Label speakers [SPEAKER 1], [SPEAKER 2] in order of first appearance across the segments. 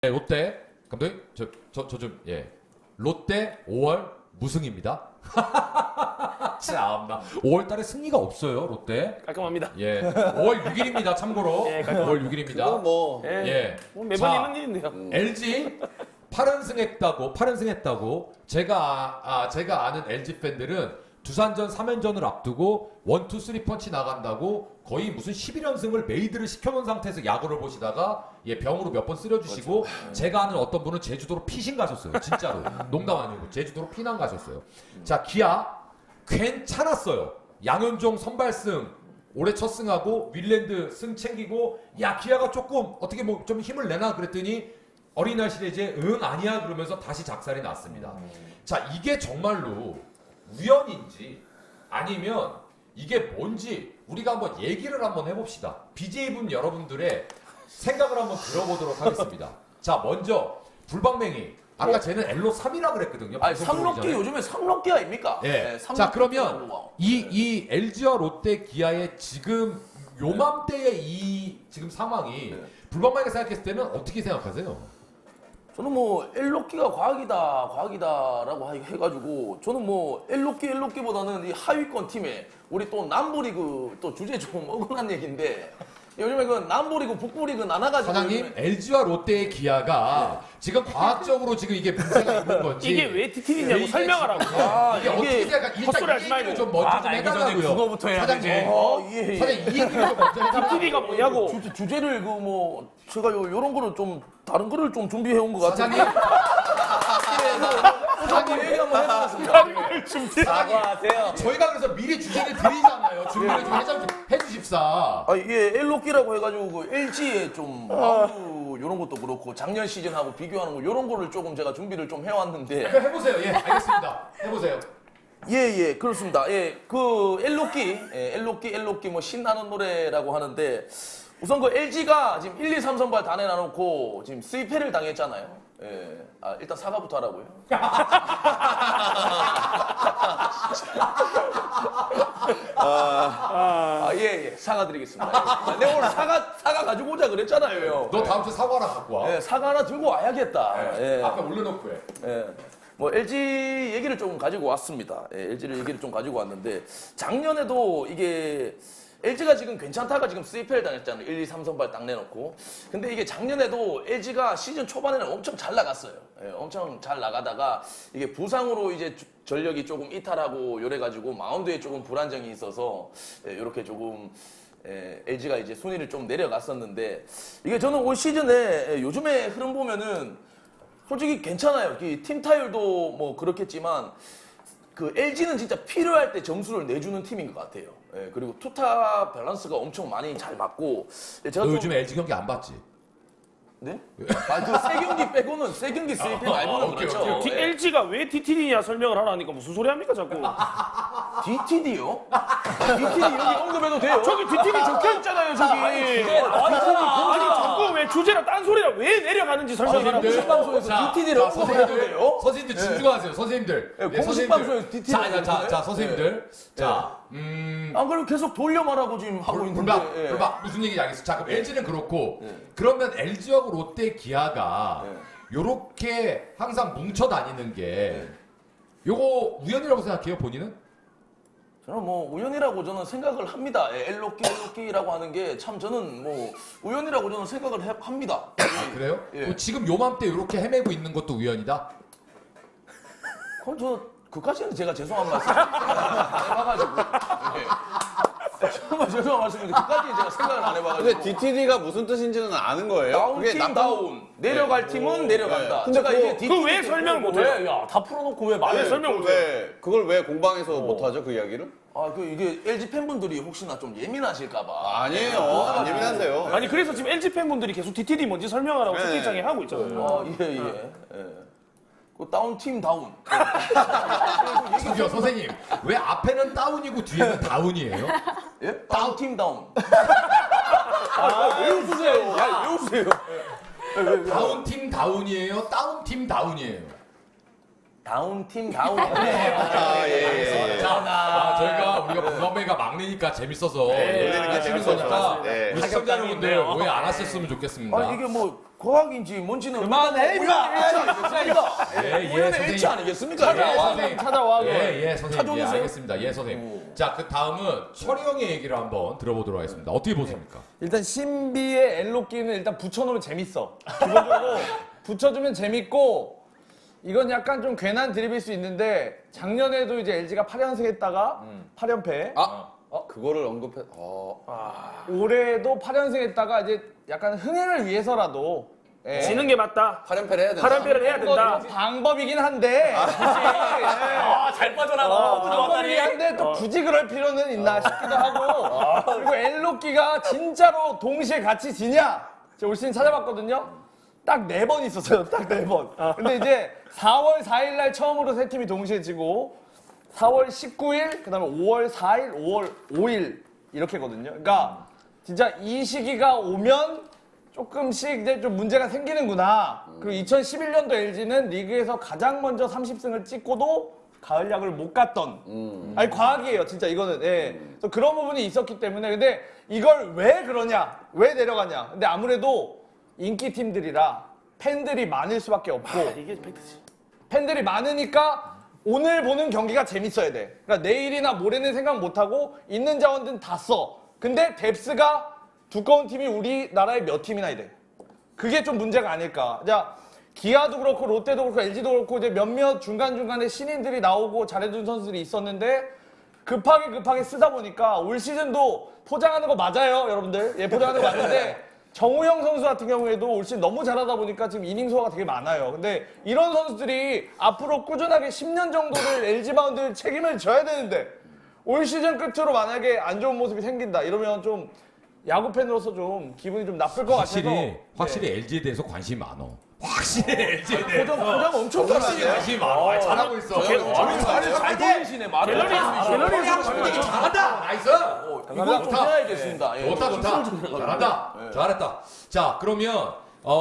[SPEAKER 1] 네, 롯데 감독님 저 좀 롯데 5월 무승입니다. 참나 5월 달에 승리가 없어요 롯데.
[SPEAKER 2] 깔끔합니다.
[SPEAKER 1] 5월 6일입니다 참고로.
[SPEAKER 2] 예, 깔끔합니다.
[SPEAKER 1] 5월 6일입니다.
[SPEAKER 3] 그건 뭐
[SPEAKER 2] 뭐 매번
[SPEAKER 1] 자,
[SPEAKER 2] 있는 일인데요.
[SPEAKER 1] LG 8연승했다고 제가 아는 LG 팬들은 두산전 3연전을 앞두고 1, 2, 3 펀치 나간다고 거의 무슨 11연승을 메이드를 시켜놓은 상태에서 야구를 보시다가 병으로 몇 번 쓰러지시고 제가 아는 어떤 분은 제주도로 피신 가셨어요. 진짜로. 농담 아니고 제주도로 피난 가셨어요. 자, 기아 괜찮았어요. 양현종 선발승 올해 첫 승하고 윌랜드 승 챙기고 야 기아가 조금 어떻게 뭐 좀 힘을 내나 그랬더니 어린이날 시리즈에 아니야 그러면서 다시 작살이 났습니다. 자, 이게 정말로 우연인지 아니면 이게 뭔지 우리가 한번 얘기를 한번 해봅시다. BJ분 여러분들의 생각을 한번 들어보도록 하겠습니다. 자, 먼저 불방맹이 아까 쟤는 엘로 3이라 그랬거든요.
[SPEAKER 3] 아니
[SPEAKER 1] 방송
[SPEAKER 3] 삼록기
[SPEAKER 1] 들어오기 전에.
[SPEAKER 3] 요즘에 삼록기 아닙니까?
[SPEAKER 1] 예.
[SPEAKER 3] 네,
[SPEAKER 1] 자,
[SPEAKER 3] 삼록기
[SPEAKER 1] 그러면
[SPEAKER 3] 뭐.
[SPEAKER 1] 이 LG와 롯데 기아의 지금 요맘때의 이 지금 상황이 불방맹이가 생각했을 때는 어떻게 생각하세요?
[SPEAKER 3] 저는 뭐 엘록기가 과학이다라고 해가지고 저는 뭐 엘록기보다는 이 하위권 팀에 우리 또 남부리그 또 주제 좀 억울한 얘기인데 요즘에 그 남부리그 북부리그 나눠가지고
[SPEAKER 1] 사장님, LG와 롯데의 기아가 지금 과학적으로 지금 이게 문제가 있는 건지
[SPEAKER 2] 이게 왜 TTV냐고
[SPEAKER 1] 이게
[SPEAKER 2] 설명하라고.
[SPEAKER 1] 이게 어떻게 생각?
[SPEAKER 2] 헛소리 하지
[SPEAKER 1] 일단 이 얘기를
[SPEAKER 2] 말고.
[SPEAKER 1] 좀 먼저 좀 해달라고요.
[SPEAKER 3] 그거부터 해야
[SPEAKER 1] 사장님,
[SPEAKER 3] 되지. 예.
[SPEAKER 1] 사장님 이 얘기를 좀 먼저 해달라고요.
[SPEAKER 2] TTV가 뭐냐고.
[SPEAKER 3] 주제를 그 뭐 제가 요런 거를 좀 다른 거를 좀 준비해 온 것 같아요.
[SPEAKER 1] 사장님,
[SPEAKER 3] 사장님 얘기 한번 해보겠습니다.
[SPEAKER 2] 사과하세요.
[SPEAKER 1] 저희가 그래서 미리 주제를 드리잖아요. 준비를 좀 해주십사.
[SPEAKER 3] 아 이게 엘록기라고 해가지고 그 LG의 좀 마운드 이런 것도 그렇고 작년 시즌하고 비교하는 거 이런 거를 조금 제가 준비를 좀 해왔는데
[SPEAKER 1] 해보세요. 예, 알겠습니다. 해보세요.
[SPEAKER 3] 예 그렇습니다. 그 엘록기 뭐 신나는 노래라고 하는데 우선 그 LG가 지금 1, 2, 3선발 다 내놔놓고 지금 스위패를 당했잖아요. 일단 사과부터 하라고요. 사과드리겠습니다. 내가 오늘 사과 가지고 오자 그랬잖아요.
[SPEAKER 1] 너 다음 주 사과 하나 갖고 와.
[SPEAKER 3] 사과 하나 들고 와야겠다.
[SPEAKER 1] 앞에 올려놓고 해.
[SPEAKER 3] 뭐 LG 얘기를 좀 가지고 왔습니다. LG를 얘기를 좀 가지고 왔는데 작년에도 이게 LG가 지금 괜찮다가 지금 3패를 당했잖아요. 1, 2, 3선발 딱 내놓고. 근데 이게 작년에도 LG가 시즌 초반에는 엄청 잘 나갔어요. 엄청 잘 나가다가 이게 부상으로 이제 전력이 조금 이탈하고 이래가지고 마운드에 조금 불안정이 있어서 이렇게 조금 LG가 이제 순위를 좀 내려갔었는데 이게 저는 올 시즌에 요즘에 흐름 보면은 솔직히 괜찮아요. 팀 타율도 뭐 그렇겠지만 그 LG는 진짜 필요할 때 점수를 내주는 팀인 것 같아요. 그리고 투타 밸런스가 엄청 많이 잘 맞고. 제가
[SPEAKER 1] 너
[SPEAKER 3] 좀-
[SPEAKER 1] 요즘 LG 경기 안 봤지?
[SPEAKER 3] 네? 세 경기 빼고는 세 경기 스위핑 말고는
[SPEAKER 1] 오케이,
[SPEAKER 3] 그렇죠.
[SPEAKER 1] 오케이.
[SPEAKER 2] LG가 왜 TTV냐 설명을 하라니까 무슨 소리 합니까 자꾸.
[SPEAKER 3] DTD요? DTD 여기 언급해도 돼요?
[SPEAKER 2] 저기 TTV 적혀 있잖아요 저기. 아니 자꾸 왜 주제랑 딴 소리랑 왜 내려가는지 설명하라고.
[SPEAKER 3] 공식 방송에서 DTD를 언급해도 돼요?
[SPEAKER 1] 선생님들 진중하세요. 선생님들.
[SPEAKER 3] 공식 방송에서 DTD 를
[SPEAKER 1] 자,
[SPEAKER 3] 언급해요?
[SPEAKER 1] 선생님들. 자,
[SPEAKER 3] 안 그래도 계속 돌려 말하고 지금 하고 있는데.
[SPEAKER 1] 불박 무슨 얘기인지 알겠어. 자, 그럼 LG는 그렇고 그러면 LG하고 롯데 기아가 요렇게 항상 뭉쳐 다니는 게 요거 우연이라고 생각해요, 본인은?
[SPEAKER 3] 저는 뭐 우연이라고 저는 생각을 합니다. 엘록기라고 하는 게 참 저는 뭐 우연이라고 저는 생각을 합니다.
[SPEAKER 1] 아, 그래요? 그럼 지금 요맘때 요렇게 헤매고 있는 것도 우연이다?
[SPEAKER 3] 그럼 그까지는 제가 죄송한 말씀 해봐가지고 정말 죄송한 말씀인데 그까지는 제가 생각을 안 해봐가지고
[SPEAKER 4] 근데 DTD가 무슨 뜻인지는 아는 거예요?
[SPEAKER 3] 다운팀 다운 내려갈 팀은 내려간다.
[SPEAKER 4] 근데
[SPEAKER 3] 제가
[SPEAKER 4] 그거-
[SPEAKER 3] 이게 DTD
[SPEAKER 2] 왜 설명을 못해요?
[SPEAKER 5] 다 풀어놓고 왜 말을
[SPEAKER 2] 왜 설명 못해요?
[SPEAKER 4] 그걸 왜 공방에서 못하죠, 그 이야기를?
[SPEAKER 3] 이게 LG 팬분들이 혹시나 좀 예민하실까봐
[SPEAKER 4] 아니에요. 안 예민한데요.
[SPEAKER 2] 아니 그래서 지금 LG 팬분들이 계속 TTD 뭔지 설명하라고
[SPEAKER 4] 네.
[SPEAKER 2] 채팅창에 하고 있잖아요.
[SPEAKER 3] 그 다운팀 다운.
[SPEAKER 1] 저기요, 선생님. 왜 앞에는 다운이고 뒤에는 다운이에요?
[SPEAKER 3] 예? 다운팀 다운.
[SPEAKER 5] 왜 웃으세요?
[SPEAKER 3] 왜 웃으세요?
[SPEAKER 1] 다운팀 다운이에요? 다운팀 다운이에요?
[SPEAKER 3] 다운팀 다운.
[SPEAKER 1] 저희가 우리가 분명히가 막내니까 재밌어서
[SPEAKER 4] 놀리는 게
[SPEAKER 1] 하시는
[SPEAKER 4] 재밌어서.
[SPEAKER 1] 거니까
[SPEAKER 4] 네.
[SPEAKER 1] 우리 시청자 여러분들 오해 안 하셨으면 좋겠습니다.
[SPEAKER 3] 이게 뭐 과학인지 뭔지는
[SPEAKER 5] 그만해,
[SPEAKER 3] 우연의 일치 아니겠습니까?
[SPEAKER 1] 예,
[SPEAKER 3] 우연의 일치 아니겠습니까?
[SPEAKER 1] 예, 선생님.
[SPEAKER 2] 찾아와.
[SPEAKER 1] 예, 선생님. 예,
[SPEAKER 3] 찾아오세요.
[SPEAKER 1] 알겠습니다. 예, 선생님. 자, 그 다음은 철이 형의 얘기를 한번 들어보도록 하겠습니다. 어떻게 보십니까?
[SPEAKER 5] 일단 신비의 엘로끼는 일단 붙여놓으면 재밌어. 기본적으로 붙여주면 재밌고 이건 약간 좀 괜한 드립일 수 있는데 작년에도 이제 LG가 8연승 했다가 8연패.
[SPEAKER 4] 그거를 언급해.
[SPEAKER 5] 올해도 8연승 했다가 이제 약간 흥행을 위해서라도 예.
[SPEAKER 2] 지는 게 맞다.
[SPEAKER 4] 8연패를 해야 된다.
[SPEAKER 2] 8연패를 해야 된다.
[SPEAKER 5] 이건 방법이긴 한데
[SPEAKER 3] 잘 빠져나가.
[SPEAKER 5] 방법이긴 한데 또 굳이 그럴 필요는 있나 싶기도 하고 그리고 엘로끼가 진짜로 동시에 같이 지냐 제가 올 시즌 찾아봤거든요 딱 4번 있었어요 딱 4번 근데 이제 4월 4일 날 처음으로 세 팀이 동시에 지고 4월 19일 그다음에 5월 4일 5월 5일 이렇게거든요 그러니까 진짜 이 시기가 오면 조금씩 이제 좀 문제가 생기는구나. 그리고 2011년도 LG는 리그에서 가장 먼저 30승을 찍고도 가을 야구를 못 갔던. 아니 과학이에요, 진짜 이거는. 예. 그래서 그런 부분이 있었기 때문에 근데 이걸 왜 그러냐, 왜 내려가냐. 근데 아무래도 인기 팀들이라 팬들이 많을 수밖에 없고
[SPEAKER 2] 이게 팩트지.
[SPEAKER 5] 팬들이 많으니까 오늘 보는 경기가 재밌어야 돼. 그러니까 내일이나 모레는 생각 못 하고 있는 자원들은 다 써. 근데 뎁스가 두꺼운 팀이 우리나라에 몇 팀이나 돼. 그게 좀 문제가 아닐까. 자, 기아도 그렇고 롯데도 그렇고 LG도 그렇고 이제 몇몇 중간중간에 신인들이 나오고 잘해준 선수들이 있었는데 급하게 쓰다 보니까 올 시즌도 포장하는 거 맞아요, 여러분들. 예, 포장하는 거 맞는데 정우영 선수 같은 경우에도 올 시즌 너무 잘하다 보니까 지금 이닝 소화가 되게 많아요. 근데 이런 선수들이 앞으로 꾸준하게 10년 정도를 LG 바운드를 책임을 져야 되는데 올 시즌 끝으로 만약에 안 좋은 모습이 생긴다 이러면 좀 야구 팬으로서 좀 기분이 좀 나쁠 것 같아서
[SPEAKER 1] 확실히 LG에 대해서 관심이 많어. 확실히 LG에 대해서
[SPEAKER 3] 포장 엄청 잘하네.
[SPEAKER 1] 관심이 많아. 잘하고 있어.
[SPEAKER 3] 말을 잘 돌리시네, 말을.
[SPEAKER 1] 갤러리에서 잘한다. 나이스.
[SPEAKER 3] 이거 좀 해야겠습니다. 예.
[SPEAKER 1] 좋다. 잘한다. 잘했다. 자, 그러면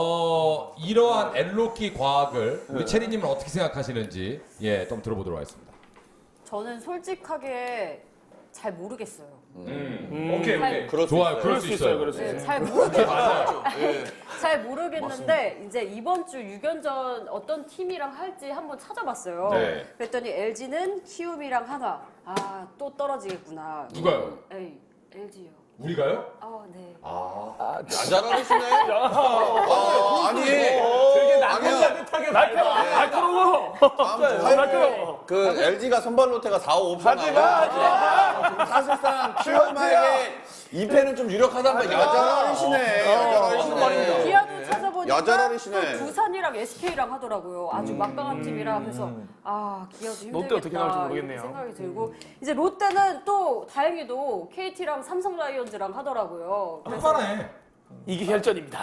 [SPEAKER 1] 이러한 엘로끼 과학을 우리 체리님은 어떻게 생각하시는지 좀 들어보도록 하겠습니다.
[SPEAKER 6] 저는 솔직하게 잘 모르겠어요.
[SPEAKER 1] 오케이.
[SPEAKER 4] 그럴 수
[SPEAKER 1] 좋아요.
[SPEAKER 4] 있어요.
[SPEAKER 1] 그럴 수 있어요.
[SPEAKER 2] 그럴 수
[SPEAKER 6] 네,
[SPEAKER 2] 있어요.
[SPEAKER 6] 잘 모르겠어요.
[SPEAKER 1] 맞아요.
[SPEAKER 6] 잘 모르겠는데 이제 이번 주 6연전 어떤 팀이랑 할지 한번 찾아봤어요.
[SPEAKER 1] 네.
[SPEAKER 6] 그랬더니 LG는 키움이랑 하나. 아, 또 떨어지겠구나.
[SPEAKER 1] 누가요?
[SPEAKER 6] 에이, LG요.
[SPEAKER 1] 우리가요?
[SPEAKER 6] 아, 네.
[SPEAKER 4] 잘하시네. 아니.
[SPEAKER 3] 되게
[SPEAKER 4] 아니야.
[SPEAKER 2] 날카로워. 날카로워.
[SPEAKER 4] 그 LG가 선발 로테가 4, 5, 5편 나와. 사실상 키움에게 2패는 좀 유력하단 말이야. 야자라리시네.
[SPEAKER 6] 기아도 찾아보니까
[SPEAKER 4] 야자라리시네.
[SPEAKER 6] 또 두산이랑 SK랑 하더라고요. 아주 막강한 팀이라 그래서 기아도 힘들겠다.
[SPEAKER 2] 롯데 어떻게 나올지 모르겠네요.
[SPEAKER 6] 이렇게 생각이 들고 이제 롯데는 또 다행히도 KT랑 삼성 라이온즈랑 하더라고요. 그래서
[SPEAKER 2] 이게 혈전입니다.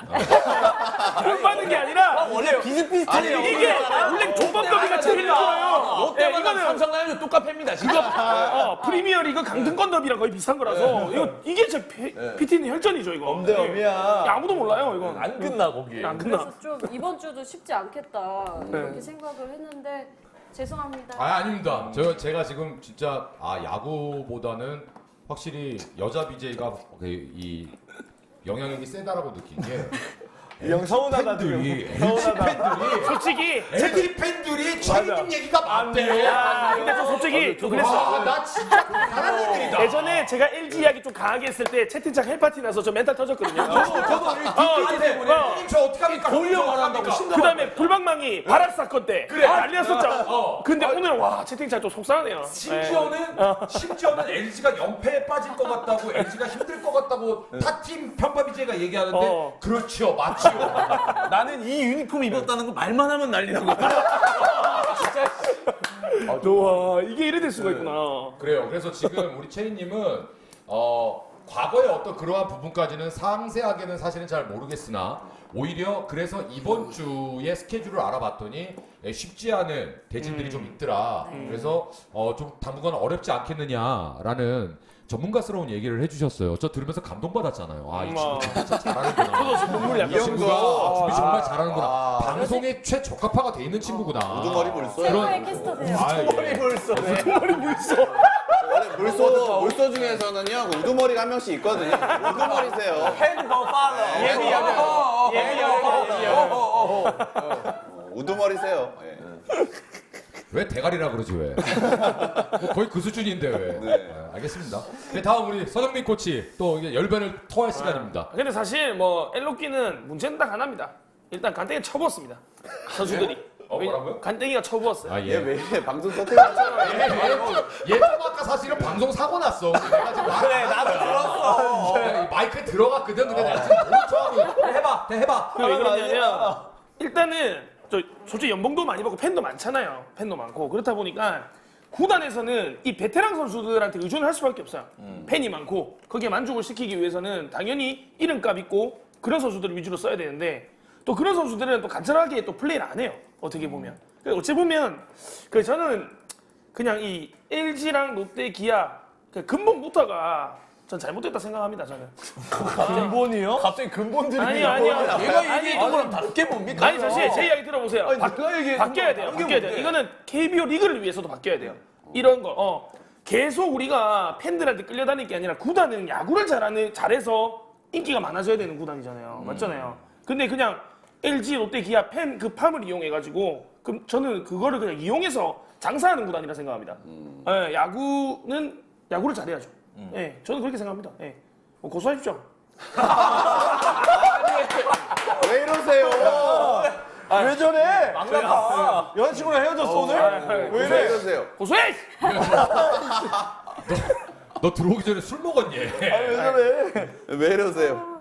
[SPEAKER 2] 돈 받는 게 아니라
[SPEAKER 3] 원래 비슷비슷해요.
[SPEAKER 2] 이게 원래 조범더비가 재밌는 거예요.
[SPEAKER 3] 롯데만
[SPEAKER 2] 이거는
[SPEAKER 3] 삼성 라이온즈 똑같습니다. 진짜.
[SPEAKER 2] 프리미어리그 강등권 더비랑 거의 비슷한 거라서 이게 제 PT는 혈전이죠 이거.
[SPEAKER 5] 엄대엄이야.
[SPEAKER 2] 아무도 몰라요 이건.
[SPEAKER 3] 안 끝나, 거기.
[SPEAKER 2] 안 끝나.
[SPEAKER 6] 그래서 좀 이번 주도 쉽지 않겠다 이렇게 생각을 했는데 죄송합니다.
[SPEAKER 1] 아닙니다. 제가 지금 진짜 야구보다는 확실히 여자 BJ가 이 영향력이 세다라고 느낀 게
[SPEAKER 5] 형 서운하다 지금.
[SPEAKER 1] LG 팬들이
[SPEAKER 2] 솔직히
[SPEAKER 1] LG 팬들이 체리님 얘기가 많대요.
[SPEAKER 2] 근데 저 솔직히 좀 그랬어.
[SPEAKER 1] 나 진짜 잘하는 분들이다.
[SPEAKER 2] 예전에 제가 LG 이야기 좀 강하게 했을 때 채팅창 헬파티 나서 저 멘탈 터졌거든요.
[SPEAKER 1] 저도 저 어떻게 합니까?
[SPEAKER 3] 돌려 말한다고
[SPEAKER 2] 그 다음에 불방망이 발악 사건 때 난리 났었죠. 근데 오늘 와 채팅창 좀 속상하네요.
[SPEAKER 1] 심지어는 LG가 연패에 빠질 것 같다고 LG가 힘들 것 같다고 타팀 편파 BJ가 얘기하는데 그렇죠, 맞죠.
[SPEAKER 3] 나는 이 유니폼 입었다는 거 말만 하면 난리 나고.
[SPEAKER 2] 와 이게 이래 될 수가 있구나.
[SPEAKER 1] 그래요. 그래서 지금 우리 체리님은 과거의 어떤 그러한 부분까지는 상세하게는 사실은 잘 모르겠으나 오히려 그래서 이번 주의 스케줄을 알아봤더니 쉽지 않은 대진들이 좀 있더라. 그래서 좀 당분간 어렵지 않겠느냐라는 전문가스러운 얘기를 해주셨어요. 저 들으면서 감동받았잖아요. 아, 이 친구 진짜 잘하는구나.
[SPEAKER 2] 저도 지금 눈물이 약간
[SPEAKER 1] 이 친구가 준비 정말 잘하는구나. 방송에 최적합화가 돼 있는 친구구나.
[SPEAKER 4] 우두머리 물소야.
[SPEAKER 6] 최고의 캐스터세요.
[SPEAKER 1] 아, 예.
[SPEAKER 4] 원래 물소 중에서는요 우두머리가 한 명씩 있거든요. 우두머리세요. 우두머리세요. 예.
[SPEAKER 1] 왜 대가리라 그러지 왜? 뭐 거의 그 수준인데 왜?
[SPEAKER 4] 네.
[SPEAKER 1] 알겠습니다. 네, 다음 우리 서정민 코치 또 이제 열변을 토할 시간입니다.
[SPEAKER 2] 근데 사실 뭐 엘로끼는 문제는 딱 하나입니다. 일단 간땡이 쳐부었습니다. 선수들이.
[SPEAKER 1] 뭐라고요?
[SPEAKER 2] 간땡이가 쳐부었어요.
[SPEAKER 1] 아
[SPEAKER 4] 얘
[SPEAKER 1] 예.
[SPEAKER 4] 왜 방송 터뜨렸잖아.
[SPEAKER 1] 얘 아까 사실은 방송 사고 났어. 내가 지금 그래 나도 들었어. 마이크에 들어갔거든. 근데 내가 지금 멈춰. 해봐.
[SPEAKER 2] 왜 그러냐면 일단은 저 솔직히 연봉도 많이 받고 팬도 많잖아요. 팬도 많고 그렇다 보니까 구단에서는 이 베테랑 선수들한테 의존을 할 수밖에 없어요. 팬이 많고 거기에 만족을 시키기 위해서는 당연히 이름값 있고 그런 선수들을 위주로 써야 되는데 또 그런 선수들은 또 간절하게 또 플레이를 안 해요. 어떻게 보면. 어찌 보면 그 저는 그냥 이 LG랑 롯데, 기아 그 근본부터가 전 잘못됐다 생각합니다. 저는.
[SPEAKER 5] 근본이요? 갑자기 근본들이
[SPEAKER 2] 아니요.
[SPEAKER 5] 내가 얘기했던 거랑 다르게 뭡니까?
[SPEAKER 2] 아니 사실 제 이야기 들어보세요.
[SPEAKER 5] 내가 얘기했던
[SPEAKER 2] 바뀌어야 돼요. 바뀌어야 돼요. 이거는 KBO 리그를 위해서도 바뀌어야 돼요. 이런 거. 계속 우리가 팬들한테 끌려다닐 게 아니라 구단은 야구를 잘해서 인기가 많아져야 되는 구단이잖아요. 맞잖아요. 근데 그냥 LG, 롯데, 기아 팬 그 팜을 이용해가지고 그럼 저는 그거를 그냥 이용해서 장사하는 구단이라 생각합니다. 예, 야구는 야구를 잘해야죠. 예, 저는 그렇게 생각합니다. 예. 고소하십시오.
[SPEAKER 4] 왜 이러세요?
[SPEAKER 5] 왜 저래? 망가봐. 여자친구랑 헤어졌어 오늘?
[SPEAKER 4] 왜 이러세요?
[SPEAKER 2] 고소해!
[SPEAKER 1] 너 들어오기 전에 술 먹었니?
[SPEAKER 4] 왜 이러세요?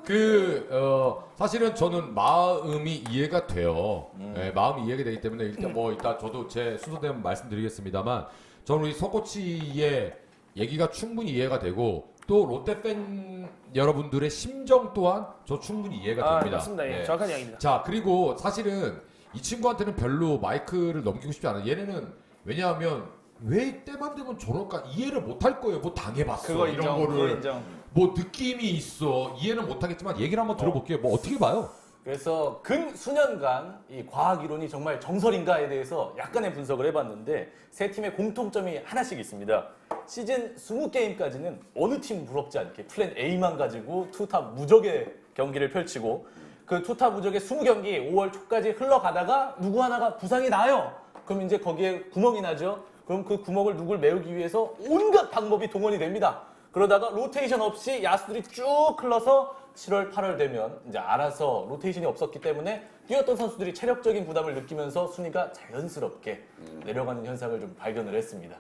[SPEAKER 1] 사실은 저는 마음이 이해가 돼요. 네, 마음이 이해가 되기 때문에 일단 뭐 이따 저도 제 순서대로 말씀드리겠습니다만 저는 우리 서 코치의 얘기가 충분히 이해가 되고 또 롯데 팬 여러분들의 심정 또한 저 충분히 이해가 됩니다.
[SPEAKER 2] 맞습니다. 예,
[SPEAKER 1] 네.
[SPEAKER 2] 정확한 이야기입니다.
[SPEAKER 1] 자, 그리고 사실은 이 친구한테는 별로 마이크를 넘기고 싶지 않아요. 얘네는 왜냐하면 왜 이때만 되면 저럴까 이해를 못 할 거예요. 뭐 당해봤어
[SPEAKER 5] 그거
[SPEAKER 1] 이런
[SPEAKER 5] 인정, 그거
[SPEAKER 1] 거를
[SPEAKER 5] 인정.
[SPEAKER 1] 뭐 느낌이 있어 이해는 못하겠지만 얘기를 한번 들어볼게요. 뭐 어떻게 봐요?
[SPEAKER 7] 그래서 근 수년간 이 과학 이론이 정말 정설인가에 대해서 약간의 분석을 해봤는데 세 팀의 공통점이 하나씩 있습니다. 시즌 20게임까지는 어느 팀 부럽지 않게 플랜 A만 가지고 투탑 무적의 경기를 펼치고 그 투탑 무적의 20경기 5월 초까지 흘러가다가 누구 하나가 부상이 나요. 그럼 이제 거기에 구멍이 나죠. 그럼 그 구멍을 누굴 메우기 위해서 온갖 방법이 동원이 됩니다. 그러다가 로테이션 없이 야수들이 쭉 흘러서 7월, 8월 되면 이제 알아서 로테이션이 없었기 때문에 뛰었던 선수들이 체력적인 부담을 느끼면서 순위가 자연스럽게 내려가는 현상을 좀 발견을 했습니다.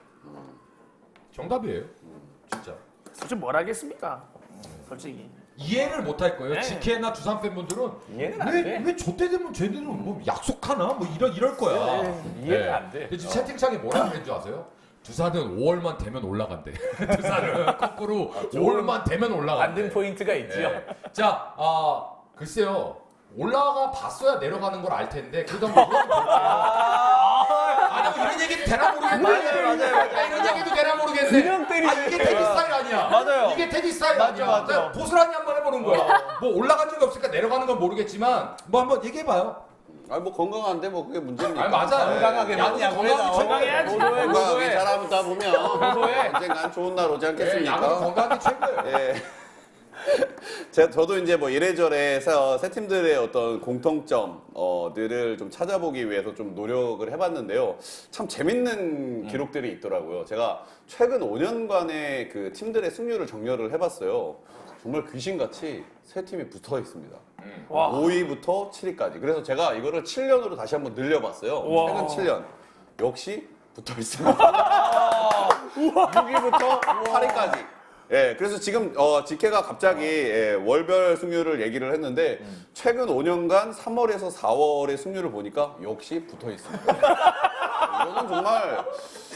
[SPEAKER 1] 정답이에요. 진짜.
[SPEAKER 2] 솔직히 뭘 하겠습니까? 솔직히.
[SPEAKER 1] 이해를 못 할 거예요.
[SPEAKER 2] 네.
[SPEAKER 1] GK나 두산 팬분들은
[SPEAKER 7] 이해는 안 돼.
[SPEAKER 1] 왜 저때 되면 쟤들은 뭐 약속하나? 뭐 이럴 거야.
[SPEAKER 7] 이해는 안 돼.
[SPEAKER 1] 근데 지금 채팅창에 뭐라고 했는지 아세요? 두산은 5월만 되면 올라간대. 두산은 거꾸로 5월만 되면 올라간대.
[SPEAKER 7] 만든 포인트가 있지요.
[SPEAKER 1] 네. 자, 글쎄요. 올라가 봤어야 내려가는 걸 알 텐데 그래도 한번 물어볼게요. 아니 뭐 이런 얘기도 되나 모르겠네. 맞아요. 이런 얘기도 되나 모르겠네.
[SPEAKER 5] 그냥 때리네.
[SPEAKER 1] 이게 테디 스타일 아니야.
[SPEAKER 5] 맞아요.
[SPEAKER 1] 이게 테디 스타일 아니야.
[SPEAKER 5] 맞아.
[SPEAKER 1] 그냥 고스란히 한번 해보는 거야. 뭐 올라간 적이 없으니까 내려가는 건 모르겠지만 뭐 한번 얘기해봐요.
[SPEAKER 4] 뭐 건강한데 뭐 그게 문제입니까?
[SPEAKER 1] 아니 맞아.
[SPEAKER 5] 건강하게
[SPEAKER 1] 야구
[SPEAKER 5] 야구에
[SPEAKER 1] 건강이
[SPEAKER 5] 나와.
[SPEAKER 2] 건강해야지.
[SPEAKER 4] 건강하게 잘하다 보면 언젠간 좋은 날 오지
[SPEAKER 1] 야구
[SPEAKER 4] 않겠습니까?
[SPEAKER 1] 건강이 최고예요.
[SPEAKER 4] 예. 저도 이제 뭐 이래저래 세 팀들의 어떤 공통점들을 좀 찾아보기 위해서 좀 노력을 해봤는데요. 참 재밌는 기록들이 있더라고요. 제가 최근 5년간의 그 팀들의 승률을 정렬을 해봤어요. 정말 귀신같이 세 팀이 붙어 있습니다.
[SPEAKER 2] 와.
[SPEAKER 4] 5위부터 7위까지. 그래서 제가 이거를 7년으로 다시 한번 늘려봤어요.
[SPEAKER 2] 와.
[SPEAKER 4] 최근 7년. 역시 붙어 있습니다. 6위부터 8위까지. 예, 그래서 지금 직계가 갑자기 월별 승률을 얘기를 했는데 최근 5년간 3월에서 4월의 승률을 보니까 역시 붙어 있습니다. 이거는 정말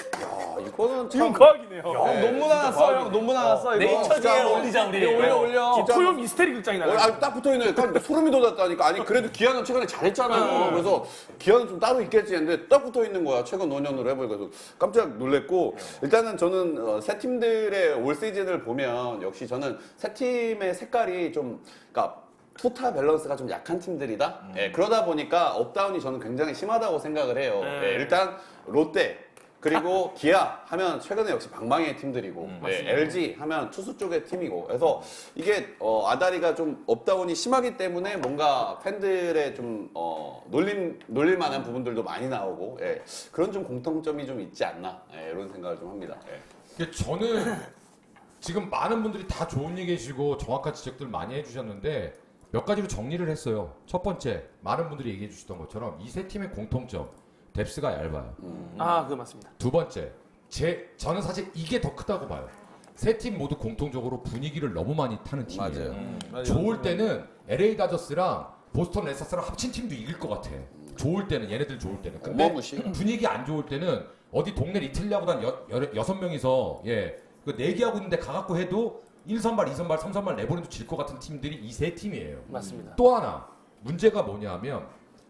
[SPEAKER 4] 이거는
[SPEAKER 2] 이건
[SPEAKER 4] 참
[SPEAKER 2] 과학이네요.
[SPEAKER 5] 논문 하나 써, 형. 논문 하나 써. 이거.
[SPEAKER 7] 네이처지에 올리자 우리.
[SPEAKER 5] 올려.
[SPEAKER 2] 토요 미스테리 극장이 나가.
[SPEAKER 4] 딱 붙어있는 소름이 돋았다니까. 아니 그래도 기아는 최근에 잘했잖아요. 그래서 기아는 좀 따로 있겠지 했는데 딱 붙어있는 거야. 최근 5년으로 해보니까 그래서 깜짝 놀랐고 일단은 저는 세 팀들의 올 시즌을 보면 역시 저는 세 팀의 색깔이 좀 그러니까 토탈 밸런스가 좀 약한 팀들이다. 예, 그러다 보니까 업다운이 저는 굉장히 심하다고 생각을 해요. 예, 일단 롯데 그리고 기아 하면 최근에 역시 방망이의 팀들이고 LG 하면 투수 쪽의 팀이고 그래서 이게 아다리가 좀 업다운이 심하기 때문에 뭔가 팬들의 좀 놀릴 만한 부분들도 많이 나오고 예, 그런 좀 공통점이 좀 있지 않나 예, 이런 생각을 좀 합니다. 예.
[SPEAKER 1] 저는 지금 많은 분들이 다 좋은 얘기 해주시고 정확한 지적들 많이 해주셨는데 몇 가지로 정리를 했어요. 첫 번째, 많은 분들이 얘기해 주셨던 것처럼 이 세 팀의 공통점, 뎁스가 얇아요.
[SPEAKER 2] 그거 맞습니다.
[SPEAKER 1] 두 번째, 저는 사실 이게 더 크다고 봐요. 세 팀 모두 공통적으로 분위기를 너무 많이 타는 팀이에요. 좋을 때는 LA 다저스랑 보스턴 레서스랑 합친 팀도 이길 것 같아. 좋을 때는 얘네들 좋을 때는. 근데
[SPEAKER 4] 어마무시.
[SPEAKER 1] 분위기 안 좋을 때는 어디 동네 리틀리아보단 6명이서 그 내기하고 있는데 가갖고 해도 1선발, 2선발, 3선발 내보내도 질 것 같은 팀들이 이 세 팀이에요.
[SPEAKER 2] 맞습니다.
[SPEAKER 1] 또 하나 문제가 뭐냐면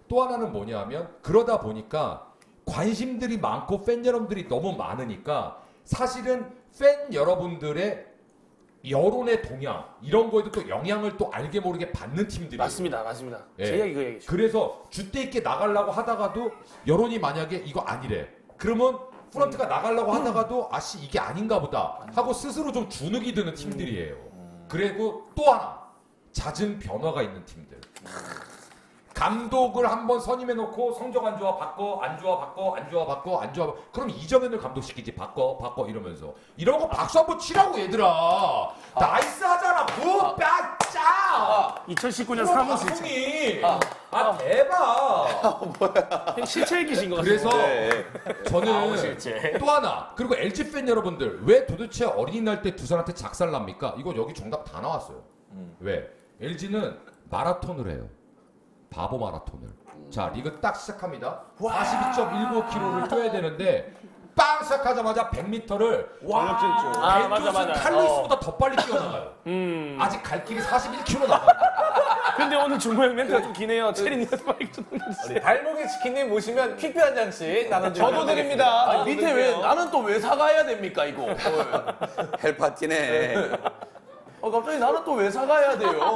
[SPEAKER 1] 그러다 보니까 관심들이 많고 팬 여러분들이 너무 많으니까 사실은 팬 여러분들의 여론의 동향 이런 거에도 또 영향을 또 알게 모르게 받는 팀들이에요.
[SPEAKER 2] 맞습니다.
[SPEAKER 1] 예.
[SPEAKER 2] 제 이야기 그 얘기죠.
[SPEAKER 1] 그래서 주대 있게 나가려고 하다가도 여론이 만약에 이거 아니래. 그러면 프런트가 나가려고 하다가도 아씨 이게 아닌가 보다 하고 스스로 좀 주눅이 드는 팀들이에요. 그리고 또 하나 잦은 변화가 있는 팀들. 감독을 한번 선임해놓고 성적 안 좋아 바꿔 안 좋아 바꿔 안 좋아 바꿔 안 좋아 바꿔. 그럼 이정현을 감독시키지 바꿔 이러면서 이런 거 박수 한번 치라고 얘들아. 나이스 하잖아. 굿 짜.
[SPEAKER 2] 2019년 3월 실체.
[SPEAKER 1] 방송이 대박.
[SPEAKER 2] 실체 얘기신 것 같아요.
[SPEAKER 1] 그래서 저는
[SPEAKER 2] 실체.
[SPEAKER 1] 또 하나 그리고 LG 팬 여러분들 왜 도대체 어린이날 때 두산한테 작살납니까? 이거 여기 정답 다 나왔어요. 왜? LG는 마라톤을 해요. 바보 마라톤을. 자 리그 딱 시작합니다. 42.19km를 뛰어야 되는데 빵 시작하자마자 100m를
[SPEAKER 2] 맞아.
[SPEAKER 1] 칼루이스보다 더 빨리 뛰어나가요. 아직 갈 길이 41km 남아요.
[SPEAKER 2] 근데 오늘 중고형 멘트가 좀 기네요. 체리님한테 마이크 좀 넘겨주세요.
[SPEAKER 7] 우리 발목의 치킨님 모시면 퀵뷰 한 장씩 나눠주세요.
[SPEAKER 5] 저도 드립니다.
[SPEAKER 3] 밑에 왜 나는 또 왜 사가야 됩니까 이거?
[SPEAKER 4] 헬파티네.
[SPEAKER 3] 갑자기 나는 또 왜 사가야 돼요?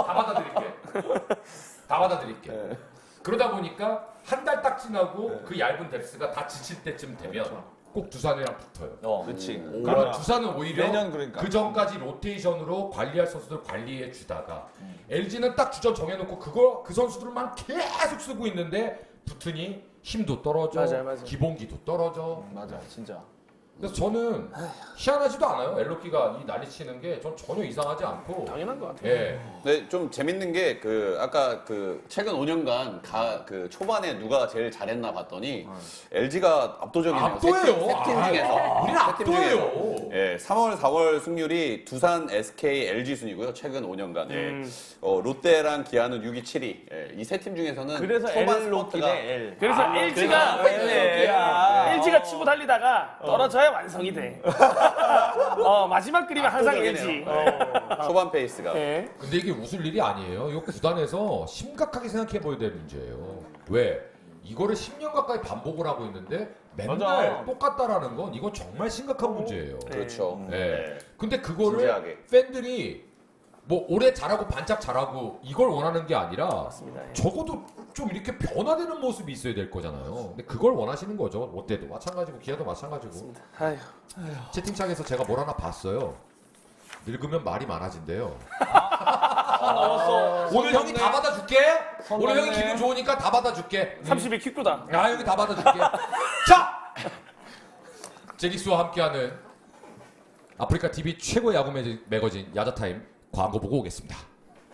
[SPEAKER 1] 다 받아드릴게. 그러다 보니까 한 달 딱 지나고 그 얇은 뎁스가 다 지칠 때쯤 되면 꼭 두산이랑 붙어요.
[SPEAKER 5] 그렇지.
[SPEAKER 1] 그러면 두산은 오히려
[SPEAKER 5] 내년 그러니까.
[SPEAKER 1] 그 전까지 로테이션으로 관리할 선수들 관리해 주다가 LG는 딱 주전 정해놓고 그 선수들만 계속 쓰고 있는데 붙으니 힘도 떨어져,
[SPEAKER 2] 맞아요.
[SPEAKER 1] 기본기도 떨어져.
[SPEAKER 5] 맞아, 진짜.
[SPEAKER 1] 그래서 저는 희한하지도 않아요. 엘로키가 이 난리 치는 게 전 전혀 이상하지 않고.
[SPEAKER 2] 당연한 것 같아요.
[SPEAKER 1] 예.
[SPEAKER 4] 네, 좀 재밌는 게 아까 최근 5년간 그 초반에 누가 제일 잘했나 봤더니 LG가 압도적이네요.
[SPEAKER 1] 압도예요.
[SPEAKER 4] 세 팀 중에서.
[SPEAKER 1] 우리는
[SPEAKER 4] 세팀 중에서.
[SPEAKER 1] 압도예요.
[SPEAKER 4] 예, 3월, 4월 승률이 두산, SK, LG 순이고요. 최근 5년간. 예. 롯데랑 기아는 6위, 7위. 예, 이 세 팀 중에서는
[SPEAKER 5] 그래서
[SPEAKER 4] 초반
[SPEAKER 5] L 로키네, L.
[SPEAKER 2] 그래서 LG가 치고 달리다가 떨어져야 완성이 돼. 마지막 그림은 항상 LG.
[SPEAKER 4] 초반 페이스가.
[SPEAKER 2] 네.
[SPEAKER 1] 근데 이게 웃을 일이 아니에요. 이거 구단에서 심각하게 생각해 보야 될 문제예요. 왜? 이거를 10년 가까이 반복을 하고 있는데 맨날
[SPEAKER 5] 맞아.
[SPEAKER 1] 똑같다라는 건 이건 정말 심각한 문제예요.
[SPEAKER 4] 그렇죠.
[SPEAKER 1] 네. 근데 그거를
[SPEAKER 4] 진지하게.
[SPEAKER 1] 팬들이 뭐 올해 잘하고 반짝 잘하고 이걸 원하는 게 아니라
[SPEAKER 2] 예.
[SPEAKER 1] 적어도 좀 이렇게 변화되는 모습이 있어야 될 거잖아요. 근데 그걸 원하시는 거죠. 롯데도 마찬가지고 기아도 마찬가지고.
[SPEAKER 2] 아휴.
[SPEAKER 1] 채팅창에서 제가 뭘 하나 봤어요. 늙으면 말이 많아진대요. 오늘 형이 다 받아줄게. 오늘 형이 기분 좋으니까 다 받아줄게.
[SPEAKER 2] 30일 킥도다.
[SPEAKER 1] 아 여기 다 받아줄게. 자, 제기스와 함께하는 아프리카 TV 최고 야구 매거진 야자타임 광고 보고 오겠습니다.